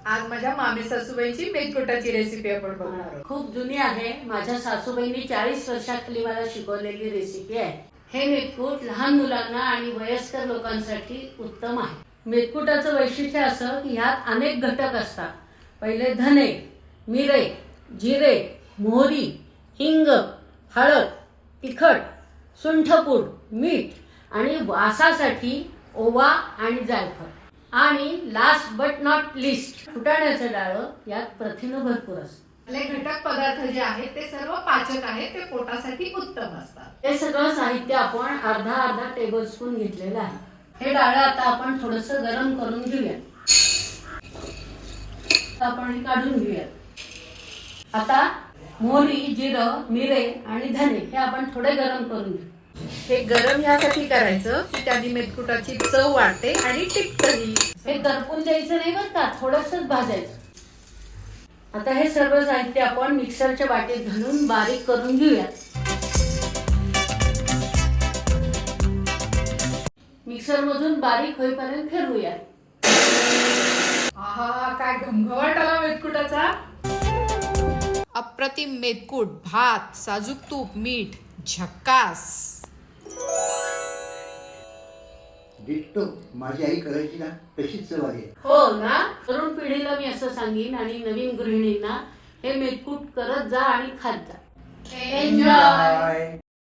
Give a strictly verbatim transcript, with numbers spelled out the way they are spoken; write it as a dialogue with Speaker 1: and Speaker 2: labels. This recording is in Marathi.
Speaker 1: आज माझ्या मामी सासूबाईंची मेदकुटाची रेसिपी आपण बघणार आहोत.
Speaker 2: खूप जुनी आहे. माझ्या सासूबाईंनी चाळीस वर्षाखाली मला शिकवलेली रेसिपी आहे. हे मेदकूट लहान मुलांना आणि वयस्कर लोकांसाठी उत्तम आहे. मेदकुटाचं वैशिष्ट्य असं की ह्यात अनेक घटक असतात. पहिले धने, मिरे, जिरे, मोहरी, हिंग, हळद, तिखट, सुंठपूड, मीठ आणि वासासाठी ओवा आणि जायफळ. आणि लास्ट बट नॉट लिस्ट फुटाण्याचं डाळं. यात प्रथिनं भरपूर असतात.
Speaker 1: आपले घटक पदार्थ जे आहेत ते सर्व पाचक आहेत, ते पोटासाठी उत्तम असतात.
Speaker 2: हे सगळं साहित्य आपण अर्धा अर्धा टेबल स्पून घेतलेलं आहे. हे डाळं आता आपण थोडंसं गरम करून घेऊया. आपण हे काढून घेऊया. आता मोहरी, जिरं, मिरे आणि धने हे आपण थोडे गरम करून घेऊ.
Speaker 1: हे गरम यासाठी करायचं की त्याने मेदकुटाची चव वाढते आणि टिकतही.
Speaker 2: हे करपून द्यायचं नाही बरं का, थोडंसंच भाजायचं. आता हे सर्व साहित्य आपण मिक्सरच्या वाटीत घालून बारीक करून घेऊया. मिक्सर मधून बारीक होईपर्यंत फिरवूया.
Speaker 1: आहा, काय घमघमाट आला मेदकुटाचा. अप्रतिम मेदकूट, भात, साजूक तूप, मीठ, झक्कास.
Speaker 3: डिट्टो माझी आई करायची ना तशीच चव आहे.
Speaker 2: हो ना. तरुण पिढीला मी असं सांगेन आणि नवीन गृहिणींना हे मेदकूट करत जा आणि खात जा.
Speaker 1: एन्जॉय.